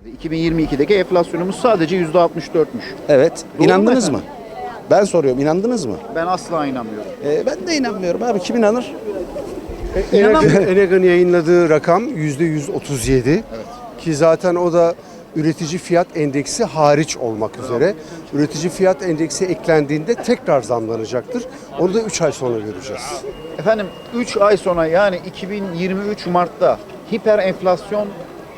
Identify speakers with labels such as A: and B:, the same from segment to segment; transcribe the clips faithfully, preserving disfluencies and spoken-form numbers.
A: iki bin yirmi ikideki enflasyonumuz sadece yüzde altmış dörtmüş.
B: Evet.
A: Doğru
B: İnandınız
A: mu
B: mı? Ben soruyorum. İnandınız mı?
A: Ben asla inanmıyorum.
B: Ee, ben de inanmıyorum abi. Kim inanır?
C: Enega'nın yayınladığı rakam yüzde yüz otuz yedi. Ki zaten o da üretici fiyat endeksi hariç olmak üzere. Üretici fiyat endeksi eklendiğinde tekrar zamlanacaktır. Onu da üç ay sonra göreceğiz.
A: Efendim üç ay sonra yani iki bin yirmi üç Mart'ta hiper enflasyon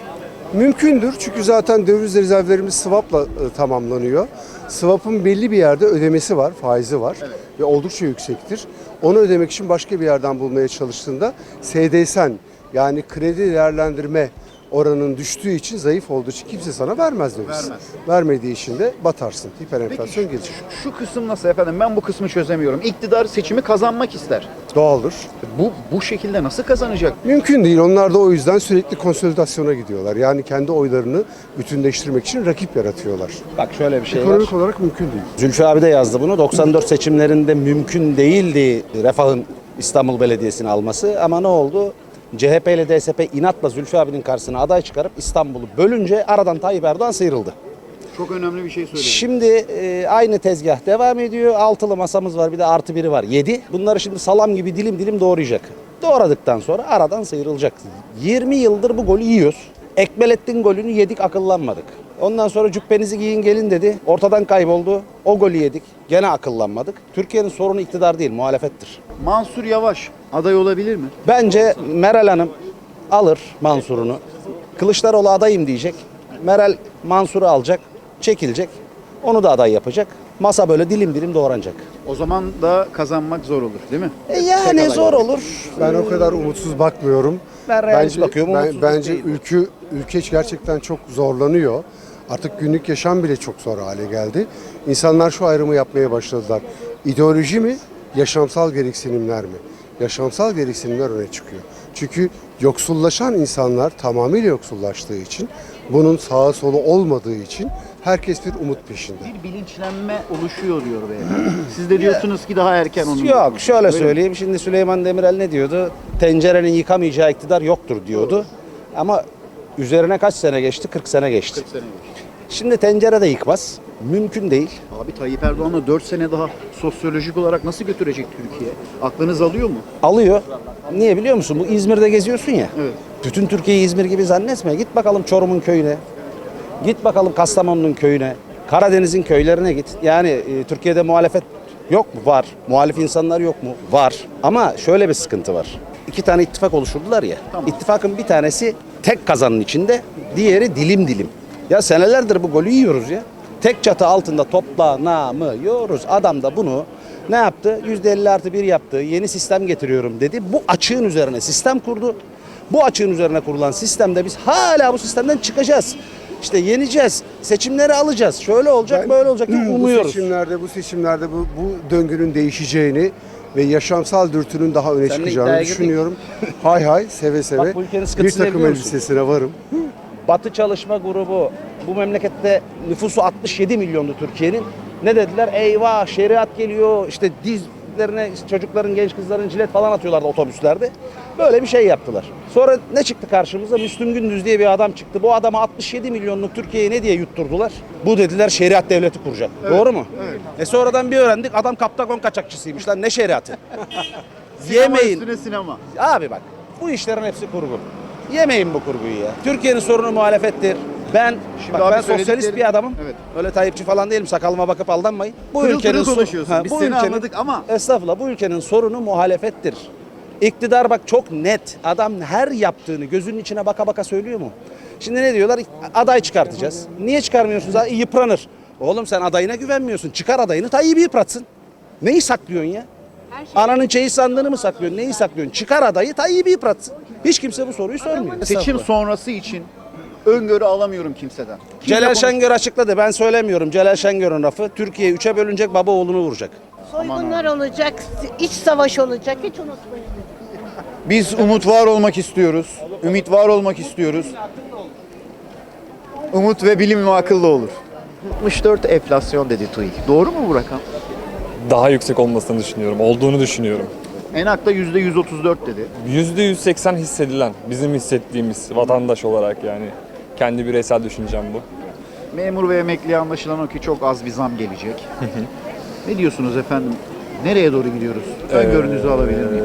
C: Mümkündür çünkü zaten döviz rezervlerimiz swap'la e, tamamlanıyor. Swap'ın belli bir yerde ödemesi var, faizi var ve oldukça yüksektir. Onu ödemek için başka bir yerden bulmaya çalıştığında S D S N yani kredi değerlendirme oranının düştüğü için, zayıf olduğu için kimse sana vermez döviz.
A: Vermez.
C: Vermediği için de batarsın. Hiperenflasyon
A: Peki
C: gelir.
A: şu, şu kısım nasıl efendim? Ben bu kısmı çözemiyorum. İktidar seçimi kazanmak ister.
C: Doğaldır.
A: Bu bu şekilde nasıl kazanacak?
C: Mümkün değil. Onlar da o yüzden sürekli konsolidasyona gidiyorlar. Yani kendi oylarını bütünleştirmek için rakip yaratıyorlar.
B: Bak şöyle bir şey var.
C: Ekonomik olarak mümkün değil.
B: Zülfü abi de yazdı bunu. doksan dört seçimlerinde mümkün değildi Refah'ın İstanbul Belediyesi'ni alması. Ama ne oldu? C H P ile D S P inatla Zülfü abinin karşısına aday çıkarıp İstanbul'u bölünce aradan Tayyip Erdoğan sıyrıldı.
A: Çok önemli bir şey söyledin.
B: Şimdi e, aynı tezgah devam ediyor. Altılı masamız var, bir de artı biri var. Yedi. Bunları şimdi salam gibi dilim dilim doğrayacak. Doğradıktan sonra aradan sıyrılacak. yirmi yıldır bu golü yiyoruz. Ekmelettin golünü yedik, akıllanmadık. Ondan sonra cübbenizi giyin gelin dedi. Ortadan kayboldu. O golü yedik. Gene akıllanmadık. Türkiye'nin sorunu iktidar değil, muhalefettir.
A: Mansur Yavaş aday olabilir mi?
B: Bence Meral Hanım alır Mansur'unu. Kılıçdaroğlu adayım diyecek. Meral Mansur'u alacak, çekilecek. Onu da aday yapacak. Masa böyle dilim dilim doğranacak.
A: O zaman da kazanmak zor olur değil mi?
B: E yani
A: Tek
B: zor
A: aday.
B: olur.
C: Ben o kadar umutsuz bakmıyorum.
B: Ben realist
C: bence,
B: bakıyorum,
C: ben-
B: umutsuzluk
C: bence
B: değil.
C: ülke ülke gerçekten çok zorlanıyor. Artık günlük yaşam bile çok zor hale geldi. İnsanlar şu ayrımı yapmaya başladılar. İdeoloji mi, yaşamsal gereksinimler mi? Yaşamsal gereksinimler öne çıkıyor. Çünkü yoksullaşan insanlar tamamıyla yoksullaştığı için, bunun sağa solu olmadığı için herkes bir umut peşinde.
A: Bir bilinçlenme oluşuyor diyor beyefendi. Siz de diyorsunuz ki daha erken onun.
B: Yok şöyle
A: Öyle mi?
B: söyleyeyim. Şimdi Süleyman Demirel ne diyordu? Tencerenin yıkamayacağı iktidar yoktur diyordu. Ama üzerine kaç sene geçti? kırk sene geçti.
A: kırk sene geçti.
B: Şimdi tencere de yıkmaz. Mümkün değil.
A: Abi Tayyip Erdoğan'ı dört sene daha sosyolojik olarak nasıl götürecek Türkiye? Aklınız alıyor mu?
B: Alıyor. Niye biliyor musun? Bu İzmir'de geziyorsun ya.
A: Evet.
B: Bütün Türkiye'yi İzmir gibi zannetme. Git bakalım Çorum'un köyüne. Git bakalım Kastamonu'nun köyüne. Karadeniz'in köylerine git. Yani e, Türkiye'de muhalefet yok mu? Var. Muhalif insanlar yok mu? Var. Ama şöyle bir sıkıntı var. İki tane ittifak oluşturdular ya.
A: Tamam.
B: İttifakın bir tanesi tek kazanın içinde, diğeri dilim dilim. Ya senelerdir bu golü yiyoruz ya. Tek çatı altında toplanamıyoruz. Adam da bunu ne yaptı? yüzde elli artı bir yaptı. Yeni sistem getiriyorum dedi. Bu açığın üzerine sistem kurdu. Bu açığın üzerine kurulan sistemde biz hala bu sistemden çıkacağız. İşte yeneceğiz. Seçimleri alacağız. Şöyle olacak,
C: Ben
B: böyle olacak diye
C: Bu
B: umuyoruz.
C: seçimlerde, bu seçimlerde bu, bu döngünün değişeceğini ve yaşamsal dürtünün daha öne
B: Seninle
C: çıkacağını
B: iddiaya girdik.
C: düşünüyorum. Hay hay, seve seve.
B: Bak bu ülkenin
C: bir
B: sıkıntısı ne
C: takım
B: biliyor musun?
C: elbisesine varım.
B: Batı Çalışma Grubu bu memlekette nüfusu altmış yedi milyondu Türkiye'nin. Ne dediler? Eyvah şeriat geliyor. İşte dizlerine çocukların, genç kızların cilet falan atıyorlardı otobüslerde. Böyle bir şey yaptılar. Sonra ne çıktı karşımıza? Müslüm Gündüz diye bir adam çıktı. Bu adama altmış yedi milyonluk Türkiye'yi ne diye yutturdular? Bu dediler şeriat devleti kuracak. Doğru mu? Evet. E sonradan bir öğrendik adam Kaptagon kaçakçısıymış lan, ne şeriatı? Yemeyin.
A: Üstüne sinema.
B: Abi bak bu işlerin hepsi kurgu. Yemeyin bu kurguyu ya. Türkiye'nin sorunu muhalefettir. Ben
A: Şimdi
B: bak,
A: abi
B: ben sosyalist
A: söylediklerin-
B: bir adamım.
A: Evet.
B: Öyle Tayyipçi falan değilim. Sakalıma bakıp aldanmayın. Bu
A: Pırıl
B: ülkenin
A: pırıl
B: so-
A: konuşuyorsun.
B: Ha,
A: Biz
B: bu
A: seni
B: ülkenin-
A: anladık ama-
B: Estağfurullah, bu ülkenin sorunu muhalefettir. İktidar bak çok net. Adam her yaptığını gözünün içine baka baka söylüyor mu? Şimdi ne diyorlar? Aday çıkartacağız. Niye çıkarmıyorsunuz? Ha, yıpranır. Oğlum sen adayına güvenmiyorsun. Çıkar adayını, Tayyip'i yıpratsın. Neyi saklıyorsun ya? Ananın çeyiz sandığını mı saklıyorsun? Neyi saklıyorsun? Çıkar adayı, Tayyip'i yıpratsın. Hiç kimse bu soruyu sormuyor.
A: Seçim sonrası için öngörü alamıyorum kimseden. Kimle
B: Celal
A: konuş-
B: Şengör açıkladı. Ben söylemiyorum. Celal Şengör'ün lafı. Türkiye üçe bölünecek, baba oğlunu vuracak.
D: Soygunlar olacak, iç savaş olacak. Hiç unutmayın.
A: Biz umut var olmak istiyoruz. Ümit var olmak istiyoruz. Umut ve bilim ve akıllı olur. altmış dört enflasyon dedi TÜİK. Doğru mu bu rakam?
E: Daha yüksek olmasını düşünüyorum. Olduğunu düşünüyorum.
A: Enak'ta yüzde yüz otuz dört dedi.
E: yüzde yüz seksen hissedilen, bizim hissettiğimiz vatandaş olarak yani. Kendi bireysel düşüncem bu.
A: Memur ve emekliye anlaşılan o ki çok az bir zam gelecek. Ne diyorsunuz efendim? Nereye doğru gidiyoruz? Öngörünüzü alabilir miyim?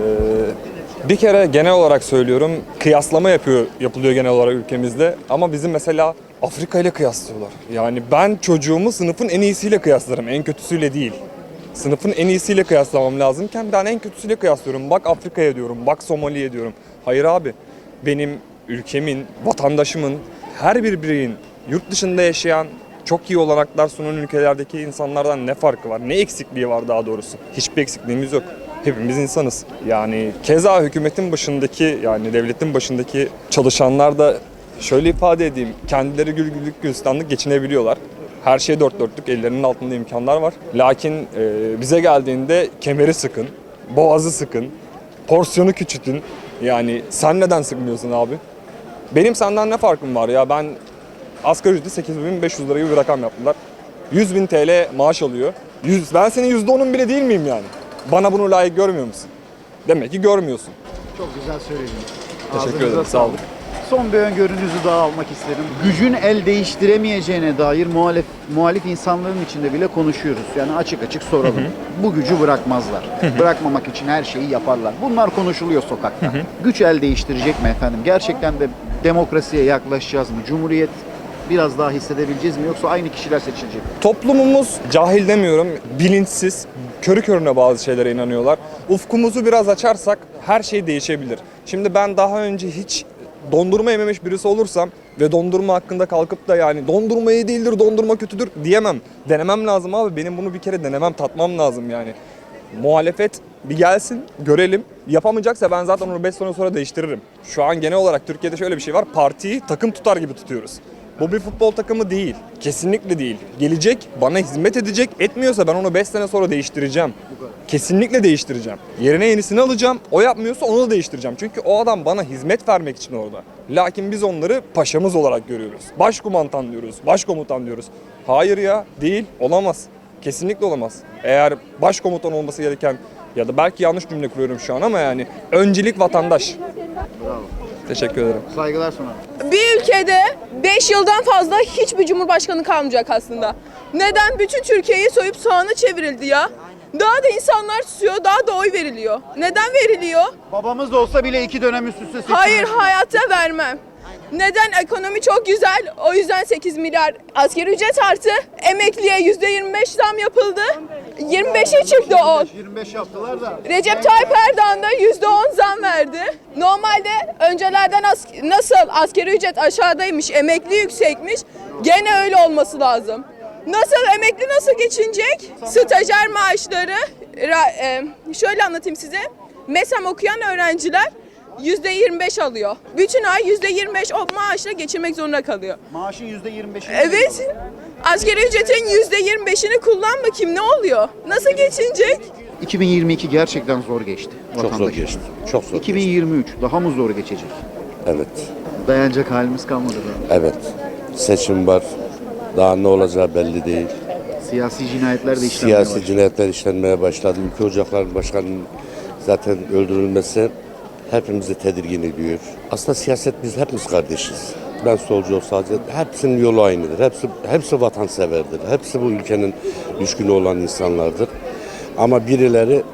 E: Ee, Bir kere genel olarak söylüyorum, kıyaslama yapıyor yapılıyor genel olarak ülkemizde. Ama bizim mesela Afrika ile kıyaslıyorlar. Yani ben çocuğumu sınıfın en iyisiyle kıyaslarım, en kötüsüyle değil. Sınıfın en iyisiyle kıyaslamam lazımken ben en kötüsüyle kıyaslıyorum. Bak Afrika'ya diyorum, bak Somali'ye diyorum. Hayır abi, benim ülkemin, vatandaşımın, her bir bireyin yurt dışında yaşayan, çok iyi olanaklar sunan ülkelerdeki insanlardan ne farkı var? Ne eksikliği var daha doğrusu? Hiçbir eksikliğimiz yok. Hepimiz insanız. Yani keza hükümetin başındaki, yani devletin başındaki çalışanlar da şöyle ifade edeyim, kendileri gül güllük gülistanlık geçinebiliyorlar. Her şey dört dörtlük, ellerinin altında imkanlar var. Lakin e, bize geldiğinde kemeri sıkın, boğazı sıkın, porsiyonu küçültün. Yani sen neden sıkmıyorsun abi? Benim senden ne farkım var ya? Ben asgari ücreti sekiz bin beş yüz lira gibi bir rakam yaptılar. yüz bin T L maaş alıyor. yüz, ben senin yüzde onun bile değil miyim yani? Bana bunu layık görmüyor musun? Demek ki görmüyorsun.
A: Çok güzel söylediniz.
E: Teşekkür
A: Ağzınıza
E: ederim, sağ olun.
A: Son bir öngörünüzü daha almak isterim. Gücün el değiştiremeyeceğine dair muhalif, muhalif insanların içinde bile konuşuyoruz. Yani açık açık soralım. Bu gücü bırakmazlar. Bırakmamak için her şeyi yaparlar. Bunlar konuşuluyor sokakta. Güç el değiştirecek mi efendim? Gerçekten de demokrasiye yaklaşacağız mı? Cumhuriyet biraz daha hissedebileceğiz mi? Yoksa aynı kişiler seçilecek mi?
E: Toplumumuz cahil demiyorum, bilinçsiz, körü körüne bazı şeylere inanıyorlar. Ufkumuzu biraz açarsak her şey değişebilir. Şimdi ben daha önce hiç dondurma yememiş birisi olursam ve dondurma hakkında kalkıp da yani dondurma iyi değildir, dondurma kötüdür diyemem. Denemem lazım abi. Benim bunu bir kere denemem, tatmam lazım yani. Muhalefet bir gelsin, görelim. Yapamayacaksa ben zaten onu beş sene sonra değiştiririm. Şu an genel olarak Türkiye'de şöyle bir şey var. Partiyi takım tutar gibi tutuyoruz. Bu bir futbol takımı değil. Kesinlikle değil. Gelecek, bana hizmet edecek. Etmiyorsa ben onu beş sene sonra değiştireceğim. Kesinlikle değiştireceğim. Yerine yenisini alacağım. O yapmıyorsa onu da değiştireceğim. Çünkü o adam bana hizmet vermek için orada. Lakin biz onları paşamız olarak görüyoruz. Başkumandan diyoruz, başkomutan diyoruz. Hayır ya, değil, olamaz. Kesinlikle olamaz. Eğer başkomutan olması gereken ya da belki yanlış cümle kuruyorum şu an ama yani öncelik vatandaş.
A: Bravo.
E: Teşekkür ederim.
A: Saygılar sunarım.
F: Bir ülkede beş yıldan fazla hiçbir cumhurbaşkanı kalmayacak aslında. Neden? Bütün Türkiye'yi soyup soğana çevrildi ya. Daha da insanlar susuyor, daha da oy veriliyor. Neden veriliyor?
A: Babamız da olsa bile iki dönem üst üste seçilmiş.
F: Hayır, hayatta vermem. Neden? Ekonomi çok güzel, o yüzden sekiz milyar asgari ücret artı, emekliye yüzde yirmi beş zam yapıldı. yirmi beşe çıktı on.
A: yirmi beş yaptılar da.
F: Recep Tayyip Erdoğan da yüzde on zam verdi. Normalde öncelerden as nasıl asgari ücret aşağıdaymış, emekli yüksekmiş, gene öyle olması lazım. Nasıl emekli nasıl geçinecek? Stajyer maaşları, e, şöyle anlatayım size. MESAM okuyan öğrenciler yüzde yirmi beş alıyor. Bütün ay yüzde yirmi beş o maaşla geçirmek zorunda kalıyor.
A: Maaşın yüzde yirmi beşini.
F: Evet. Asgari ücretin yüzde yirmi beşini kullan bakayım, ne oluyor? Nasıl geçinecek?
A: iki bin yirmi iki gerçekten zor geçti.
G: Çok zor
A: vatandaş için.
G: geçti. Çok zor
A: iki bin yirmi üç daha mı zor geçecek?
G: geçti. Evet.
A: Dayanacak halimiz kalmadı da.
G: Evet. Seçim var. Daha ne olacağı belli değil.
A: Siyasi cinayetler de işlenmeye
G: Siyasi
A: başladı.
G: cinayetler işlenmeye başladı. Ülke Ocakları Başkanı'nın zaten öldürülmesi hepimizi tedirgin ediyor. Aslında siyaset biz hepimiz kardeşiz. Ben solcu olsa hepsinin yolu aynıdır. Hepsi hepsi vatanseverdir. Hepsi bu ülkenin düşkünü olan insanlardır. Ama birileri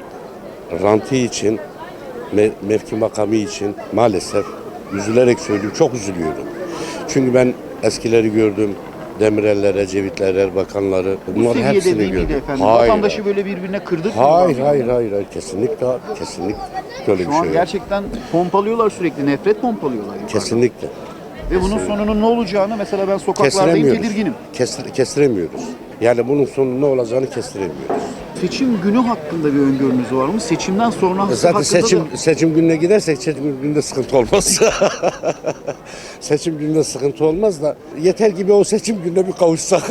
G: rantı için, me- mevki makamı için maalesef üzülerek söylüyorum, çok üzülüyorum. Çünkü ben eskileri gördüm. Demirel'ler, Ecevitler, Erbakanları.
A: Bu
G: Bunların
A: seviyede
G: hepsini
A: değil miydi
G: gördüm.
A: efendim?
G: Hayır.
A: Vatandaşı böyle birbirine kırdık mı?
G: Hayır, hayır, hayır, hayır. Kesinlikle, kesinlikle böyle
A: Şu
G: bir şey
A: an
G: yok.
A: gerçekten pompalıyorlar sürekli. Nefret pompalıyorlar. yukarıdan.
G: Kesinlikle.
A: Ve bunun sonunun ne olacağını mesela ben sokaklardayım
G: Kestiremiyoruz.
A: tedirginim.
G: Kestir, kestiremiyoruz. Yani bunun sonu ne olacağını kestiremiyoruz.
A: Seçim günü hakkında bir öngörünüz var mı? Seçimden sonra
G: E Zaten
A: hakkında
G: seçim
A: da...
G: seçim gününe gidersek seçim gününde sıkıntı olmaz. Seçim gününde sıkıntı olmaz da yeter ki bir o seçim gününe bir kavuşsak.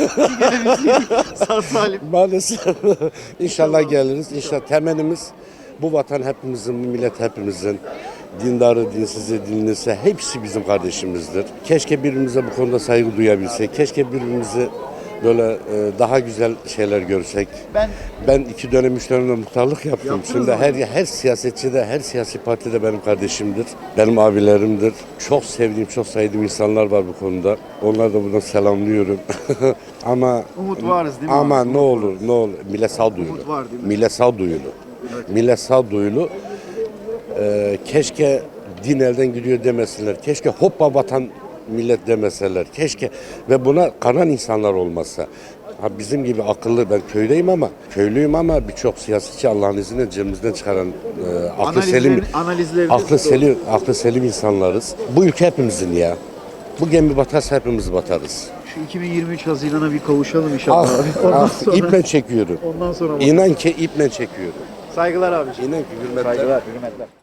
A: Sağ salim.
G: Maalesef. İnşallah geliriz. İnşallah temennimiz bu vatan hepimizin, bu millet hepimizin. Dindarı, dinsizi, dinlisi hepsi bizim kardeşimizdir. Keşke birbirimize bu konuda saygı duyabilsek. Keşke birbirimizi Böyle e, daha güzel şeyler görsek.
A: Ben
G: Ben iki dönem, üç dönemde muhtarlık yaptım.
A: Yaptınız
G: Şimdi
A: mı?
G: her her siyasetçi de, her siyasi parti de benim kardeşimdir. Benim abilerimdir. Çok sevdiğim, çok saydığım insanlar var bu konuda. Onları da buradan selamlıyorum. Ama
A: Umut varız değil mi
G: Ama
A: abi?
G: ne olur, ne olur. Millet sağduyulu.
A: Umut var değil mi?
G: Millet sağduyulu. Millet sağduyulu. Ee, keşke din elden gidiyor demesinler. Keşke hoppa vatan millet demeseler. Keşke ve buna kanan insanlar olmasa. Ha bizim gibi akıllı, ben köydeyim ama köylüyüm ama birçok siyasetçi Allah'ın izniyle cebimizden çıkaran e, aklı selim,
A: Analizlerin- analizleriniz
G: aklı
A: doğru.
G: selim, aklı selim insanlarız. Bu ülke hepimizin ya. Bu gemi batarsa hepimiz batarız.
A: Şu iki bin yirmi üç Haziran'a bir kavuşalım inşallah
G: Ah,
A: abi. Ondan
G: ah,
A: sonra,
G: iple çekiyorum.
A: ondan sonra bakalım.
G: İnan ki iple çekiyorum.
A: Saygılar abiciğim.
G: İnan ki hürmetler.
A: Saygılar, hürmetler.